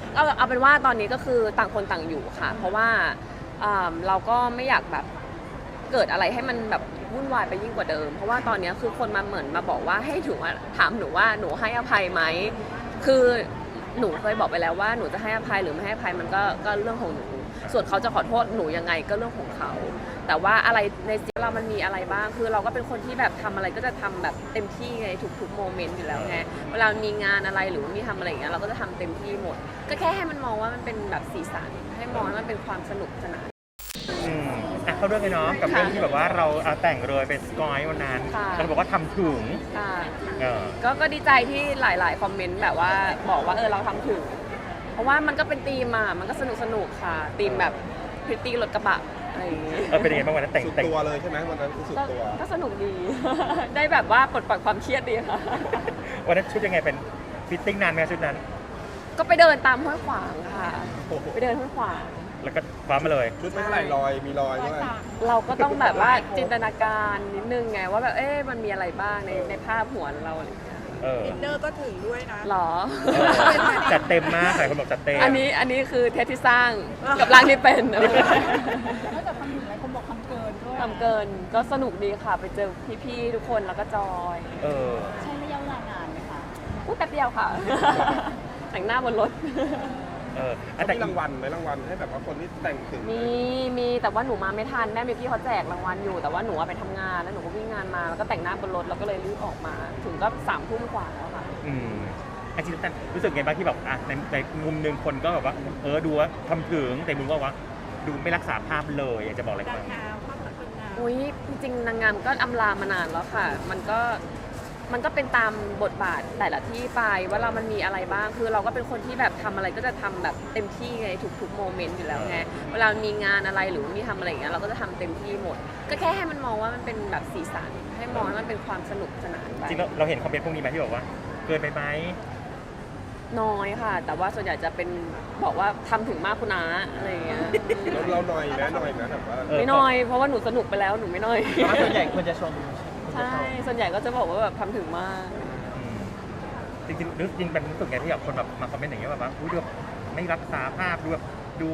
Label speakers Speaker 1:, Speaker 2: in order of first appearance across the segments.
Speaker 1: เอาเป็นว่าตอนนี้ก็คือต่างคนต่างอยู่ค่ะเพราะว่าเราก็ไม่อยากแบบเกิดอะไรให้มันแบบวุ่นวายไปยิ่งกว่าเดิมเพราะว่าตอนนี้คือคนมาเหมือนมาบอกว่าให้ถึงว่าถามหนูว่าหนูให้อภัยไหมคือหนูเคยบอกไปแล้วว่าหนูจะให้อภัยหรือไม่ให้อภัยมันก็เรื่องของหนูส่วนเขาจะขอโทษหนูยังไงก็เรื่องของเขาแต่ว่าอะไรในชีวิตเรามันมีอะไรบ้างคือเราก็เป็นคนที่แบบทำอะไรก็จะทำแบบเต็มที่ในทุกๆโมเมนต์อยู่แล้วไงเวลามีงานอะไรหรือว่ามีทำอะไรอย่างเงี้ยเราก็จะทำเต็มที่หมดก็แค่ให้มันมองว่ามันเป็นแบบสีสันให้มองว่ามันเป็นความสนุกสนาน
Speaker 2: เข้าเรื่องเลยเนาะกับเรื่องที่แบบว่าเราเอาแต่งเลยเป็นสกอยวันนั้นเราบอกว่าทำถึง
Speaker 1: ก็ดีใจที่หลายๆคอมเมนต์แบบว่าบอกว่าเราทำถึงเพราะว่ามันก็เป็นธีมมันก็สนุกค่ะธีมแบบพริตตี้รถกระบะอะไรอย่างเงี้ย
Speaker 2: เป็นยังไงบ้างวันนั้นแต่ง
Speaker 3: ตัวเลยใช่ไหมวันนั้นสุดตัว
Speaker 1: ก็สนุกดี ได้แบบว่าปลดปล่อยความเครียดดีค่ะ
Speaker 2: วันนั้นชุดยังไงเป็นฟิตติ้งนานไหมชุดนั้น
Speaker 1: ก็ไปเดินตามห้วยขวางค่ะไปเดินห้วยขวาง
Speaker 2: แล้วก็คว้ามาเลย
Speaker 3: ชุดไม่เท่าไหร่มีรอยด้วย
Speaker 1: เราก็ต้องแบบว่าจินตนาการนิดนึงไงว่าแบบมันมีอะไรบ้างในภาพหัวเราอะไรอย่างเงี้ย
Speaker 4: อินเนอร์ก็ถึงด้วยนะ
Speaker 1: หรอ
Speaker 2: จัดเต็มมากหลายคนบอกจัดเต็ม
Speaker 1: อันนี้คือเทสที่สร้างกับร่างที่เป็น
Speaker 4: นอกจากทำถึงหลายคนบอกทำเกินด้วย
Speaker 1: ทำเกินก็สนุกดีค่ะไปเจอพี่ๆทุกคนแล้วก็จอย
Speaker 4: ใช้ระยะเวลานานไหมคะ
Speaker 1: แป๊บเดียวค่ะแต่งหน้าบนรถ
Speaker 3: แต่รางวัลไหมรางวัลให้แบบว่าคนที่แต่งถึง
Speaker 1: มีแต่ว่าหนูมาไม่ทันแม่มีพี่เขาแจกรางวัลอยู่แต่ว่าหนูไปทำงานแล้วหนูก็วิ่งงานมาแล้วก็แต่งหน้าบนรถแล้วก็เลยรีบออกมาถึงก็3 ทุ่มกว่าแล้วค่ะ
Speaker 2: จริงๆรู้สึกไงบ้างที่แบบในมุมหนึ่งคนก็แบบว่าดูว่าทำถึงแต่มุมว่าดูไม่รักษาภาพเลยอยากจะบอกอะไรบ้าง
Speaker 1: อุ้ยจริงๆนางงามก็อำลามานานแล้วค่ะมันก็เป็นตามบทบาทแต่ละที่ไปว่ามันมีอะไรบ้างคือเราก็เป็นคนที่แบบทำอะไรก็จะทำแบบเต็มที่ในทุกๆโมเมนต์อยู่แล้วไงเวลามีงานอะไรหรือมีทำอะไรอย่างเงี้ยเราก็จะทำเต็มที่หมดก็แค่ให้มันมองว่ามันเป็นแบบสีสันให้มองว่ามันเป็นความสนุกสนานไป
Speaker 2: จริงเราเห็นคอมเมนต์พวกนี้ไหมที่บอกว่าเกินไปไหม
Speaker 1: น้อยค่ะแต่ว่าส่วนใหญ่จะเป็นบอกว่าทำถึงมากคุณน้าอะไรอย่างเงี้ย
Speaker 3: เราหน่อยนะแบบว่า
Speaker 1: ไม่น้อยเพราะว่าหนูสนุกไปแล้วหนูไม่น้อย
Speaker 2: ส่วนใหญ่คนจะชม
Speaker 1: ใช่ส่วนใหญ่ก็จะบอกว่าแบบทำถึงมาก
Speaker 2: จริงเป็นรู้สึกไงที่แบบคนแบบมาคอมเมนต์อย่างเงี้ยแบบว่าดูไม่รักษาภาพดูแบบดู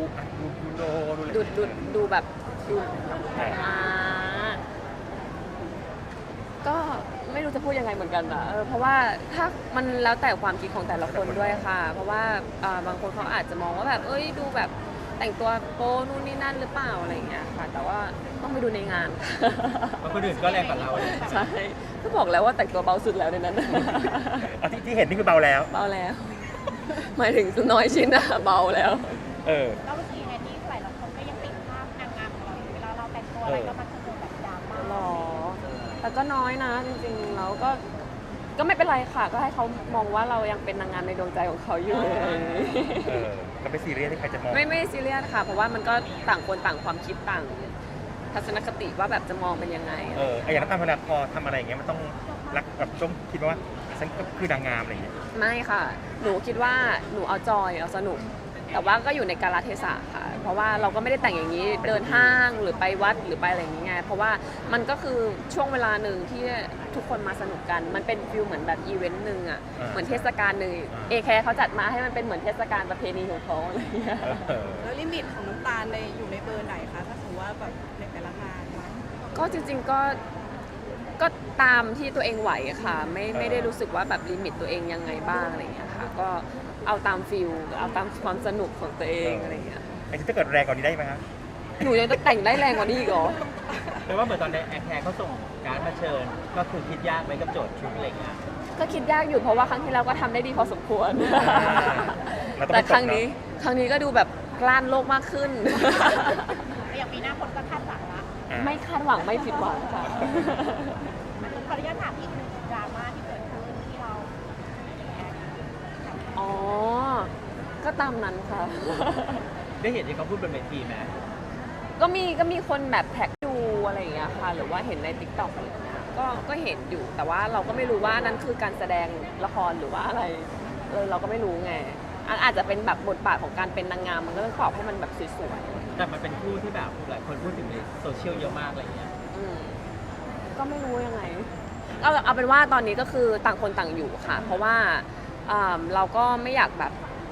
Speaker 1: แบบดูก็ไม่รู้จะพูดยังไงเหมือนกันนะเพราะว่าถ้ามันแล้วแต่ความคิดของแต่ละคนด้วยค่ะเพราะว่าบางคนเขาอาจจะมองว่าแบบดูแบบแต่งตัวโป๊นู่นนี่นั่นหรือเปล่าอะไรอย่างเงี้ยค่ะแต่ว่าต้องไปดูในงาน
Speaker 2: เพราะคนอื่นก็แรงกว่าเรา
Speaker 1: ใช่ก็บอกแล้วว่าแต่งตัวเบาสุดแล้วในนั้น
Speaker 2: ที่เห็นนี่คือเบาแล้ว
Speaker 1: หมายถึงน้อยชิ้นอะเบาแล้ว
Speaker 4: แล้วเมื่อกี้ไงที่หลายคนก็ยังติดภาพนางงามของเราเวลาเราแต่งตัวอะไรก็มันจะเจอแบบดราม่า
Speaker 1: หรอแต่ก็น้อยนะจริงๆแล้วก็ไม่เป็นไรค่ะก็ให้เขามองว่าเรายังเป็นนางงามในดวงใจของเขาอยู่
Speaker 2: ก็ไม่ซีเรียสที่ใครจะมอง
Speaker 1: ไม่ซีเรียสค่ะเพราะว่ามันก็ต่างคนต่างความคิดต่างทัศนคติว่าแบบจะมองเป็นยังไง
Speaker 2: อย่างนั้นตามเวลาพอทำอะไรอย่างเงี้ยมันต้องรักแบบต้องคิดว่าฉันก็คือนางงามอะไรอย่างเงี้ย
Speaker 1: ไม่ค่ะหนูคิดว่าหนูเอาจอยเอาสนุกแต่ว่าก็อยู่ในกาลเทศะค่ะเพราะว่าเราก็ไม่ได้แต่งอย่างนี้เดินห้างหรือไปวัดหรือไปอะไรอย่างเงี้ยเพราะว่ามันก็คือช่วงเวลาหนึ่งที่ทุกคนมาสนุกกันมันเป็นฟิลเหมือนแบบอีเวนต์หนึ่งอ่ะเหมือนเทศกาลหนึ่งแคร์เขาจัดมาให้มันเป็นเหมือนเทศกาลประเพณีของเขาอะไรอย่างเงี้ย
Speaker 4: แล้วลิมิตของน้ำตาลอยู่ในเบอร์ไหนคะถ้าสมมติว่าแบบในแต่ละงาน
Speaker 1: ก็จริงๆก็ตามที่ตัวเองไหวค่ะไม่ได้รู้สึกว่าแบบลิมิตตัวเองยังไงบ้างอะไรอย่างเงี้ยค่ะก็เอาตามฟิลเอาตามความสนุกของตัวเองอะไรอย่างเงี้ย
Speaker 2: ถ้าเกิดแรงกว่านี้ได้ไหมครับ
Speaker 1: หนูยังจะแต่งได้แรงกว่านี้อีกเหรอ
Speaker 2: แปลว่าเหมือนตอนในแคร์เขาส่งการมาเชิญก็คือคิดยากไหมกับโจทย์ชุดอะไรเงี้ย
Speaker 1: ก็คิดยากอยู่เพราะว่าครั้งที่แล้วก็ทำได้ดีพอสมควรแต่ครั้งนี้ก็ดูแบบกล้านโลกมากขึ้น
Speaker 4: อย่างปีหน้าคนก็คาดหวังละ
Speaker 1: ไม่คาดหวังไม่ผิดหวังค่ะ
Speaker 4: ขออนุญาตถามอีกหนึ่งดราม่าที่เกิดขึ้นที่เรา
Speaker 1: ก็ตามนั้นค่ะ
Speaker 2: ได้เห็นที่เขาพูดบนเวทีไหม
Speaker 1: ก็มีคนแบบแท็กดูอะไรอย่างเงี้ยค่ะหรือว่าเห็นใน TikTok อะไรอย่างเงี้ยก็เห็นอยู่แต่ว่าเราก็ไม่รู้ว่านั้นคือการแสดงละครหรือว่าอะไรเราก็ไม่รู้ไงอาจจะเป็นแบบบทบาทของการเป็นนางงามมันก็ต้องตอบให้มันแบบสวย
Speaker 2: ๆแต่มันเป็นคู่ที่แบบหลายคนพูดถึงในโซเชียลเยอะมากอะไรอย่างเงี้ย
Speaker 1: ก็ไม่รู้ยังไงเอาเป็นว่าตอนนี้ก็คือต่างคนต่างอยู่ค่ะเพราะว่าเราก็ไม่อยากแบบ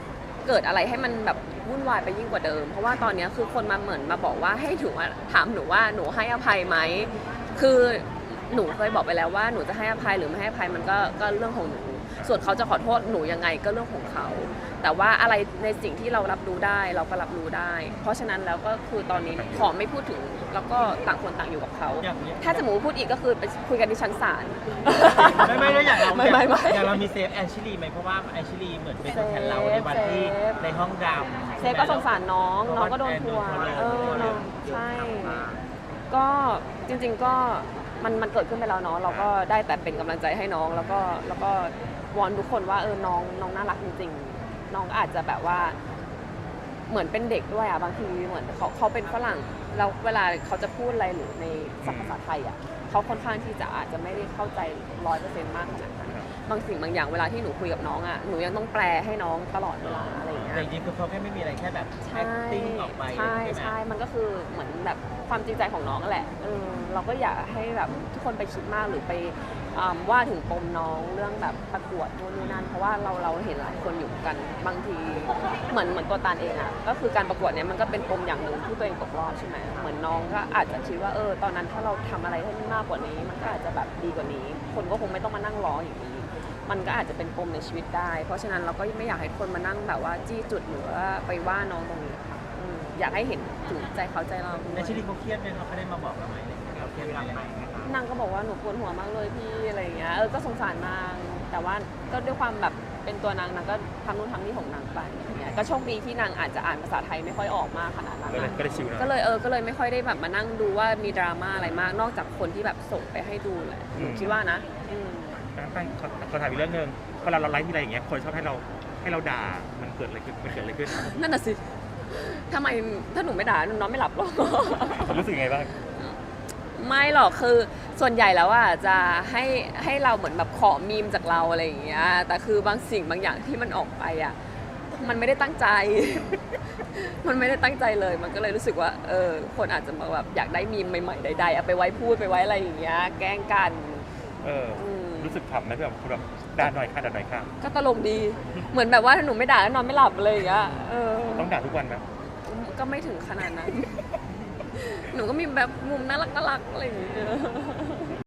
Speaker 1: เกิดอะไรให้มันแบบวุ่นวายไปยิ่งกว่าเดิม เพราะว่าตอนนี้คือคนมาเหมือนมาบอกว่าให้ถือว่าถามหนูว่าหนูให้อภัยไหมคือหนูเคยบอกไปแล้วว่าหนูจะให้อภัยหรือไม่ให้อภัยมันก็เรื่องของหนูส่วนเขาจะขอโทษหนูยังไงก็เรื่องของเขา แต่ว่าอะไรในสิ่งที่เรารับรู้ได้เราก็รับรู้ได้ เพราะฉะนั้นแล้วก็คือตอนนี้ขอไม่พูดถึงแล้วก็ต่างคนต่างอยู่กับเขา ถ้าจะหมูพูดอีกก็คือไปคุยกันที่ชั้นศาล
Speaker 5: ไม่แล้วอย่างเรา
Speaker 1: ไม่
Speaker 5: อย่างเรามีเซฟแอนชิลีไหมเพราะว่าแอนชิลีเหมือนเป็นตัวแทนเราในวันที่ในห้องดำ
Speaker 1: เซฟก็สงสารน้องน้องก็โดนทัวร์น้องใช่ ก็จริงๆก็มันเกิดขึ้นไปแล้วเนาะเราก็ได้แต่เป็นกำลังใจให้น้องแล้วก็วอนทุกคนว่าน้องน่ารักจริงๆน้องอาจจะแบบว่าเหมือนเป็นเด็กด้วยอ่ะบางทีเหมือนเขาเป็นฝรั่งแล้วเวลาเขาจะพูดอะไรหรือในภาษาไทยอ่ะเขาค่อนข้างที่จะอาจจะไม่ได้เข้าใจ100%มากขนาดนั้นบางสิ่งบางอย่างเวลาที่หนูคุยกับน้องอ่ะหนูยังต้องแปลให้น้องตลอดเวลาอะไรอย่างเงี้ย
Speaker 5: แต่จริงๆคือเขาแค่ไม่มีอะไรแค่แบบ
Speaker 1: ใช่
Speaker 5: acting ออกไป
Speaker 1: ใช่
Speaker 5: ไหม
Speaker 1: ใช่มันก็คือเหมือนแบบความจริงใจของน้องนั่นแหละเราก็อยากให้แบบทุกคนไปคิดมากหรือไปว่าถึงปมน้องเรื่องแบบประกวดนู่นนี่นั่นเพราะว่าเราเห็นหลายคนอยู่กันบางทีเหมือนตัวตาลเองอ่ะก็คือการประกวดเนี่ยมันก็เป็นปมอย่างหนึ่งที่ตัวเองตกรอบใช่ไหมเหมือนน้องก็อาจจะคิดว่าตอนนั้นถ้าเราทำอะไรให้มันมากกว่านี้ มันก็อาจจะแบบดีกว่านี้ คนก็คงไม่ต้องมานั่งรออย่างนี้ มันก็อาจจะเป็นปมในชีวิตได้ เพราะฉะนั้นเราก็ไม่อยากให้คนมานั่งแบบว่าจี้จุดหรือว่าไปว่าน้องตรงนี้ค่ะอยากให้เห็นถึงใจเขาใจเราด้ว
Speaker 5: แอย นชิลีเขาเครียดไหมเขาได้มาบอกเราไหมเราเครียดไหม
Speaker 1: นางก็บอกว่าหนูปวดหัวมากเลยพี่อะไรอย่างเงี้ยก็สงสารนางแต่ว่าก็ด้วยความแบบเป็นตัวนางก็ทำนู่นทำนี่ของนางไปอย่างเงี้ยก็โชคดีที่นางอาจจะอ่านภาษาไทยไม่ค่อยออกมากขนาดนั้น
Speaker 2: ก็เลยชิลนะ
Speaker 1: ก็เลยไม่ค่อยได้แบบมานั่งดูว่ามีดราม่าอะไรมากนอกจากคนที่แบบส่งไปให้ดูแหละหนูคิดว่านะ
Speaker 2: ตั้งขอถามอีกเรื่องหนึ่งพอเราไลฟ์ที่อะไรอย่างเงี้ยคนชอบให้เราด่ามันเกิดอะไรขึ้น
Speaker 1: นั่นน่ะสิทำไมถ้าหนูไม่ด่าหนูนอนไม่หลับหรอก
Speaker 2: ผมรู้สึกยังไงบ้าง
Speaker 1: ไม่หรอกคือส่วนใหญ่แล้วอ่ะจะให้เราเหมือนแบบขอมีมจากเราอะไรอย่างเงี้ยแต่คือบางสิ่งบางอย่างที่มันออกไปอ่ะมันไม่ได้ตั้งใจ มันไม่ได้ตั้งใจเลยมันก็เลยรู้สึกว่าคนอาจจะมาแบบอยากได้มีมใหม่ๆใดๆเอาไปไว้พูดไปไว้อะไรอย่างเงี้ยแกล้งกัน
Speaker 2: รู้สึกขำไหมแบบคุณแบบด่าหน่อยค่ะ
Speaker 1: ก็ตลกดีเหมือนแบบว่าถ้าหนูไม่ด่าก็นอนไม่หลับเลยอย่างเงี้ย
Speaker 2: ต้องด่าทุกวันไหม
Speaker 1: ก็ไม่ถึงขนาดนั้น หนูก็มีแบบมุมน่ารักอะไรอย่างเงี้ย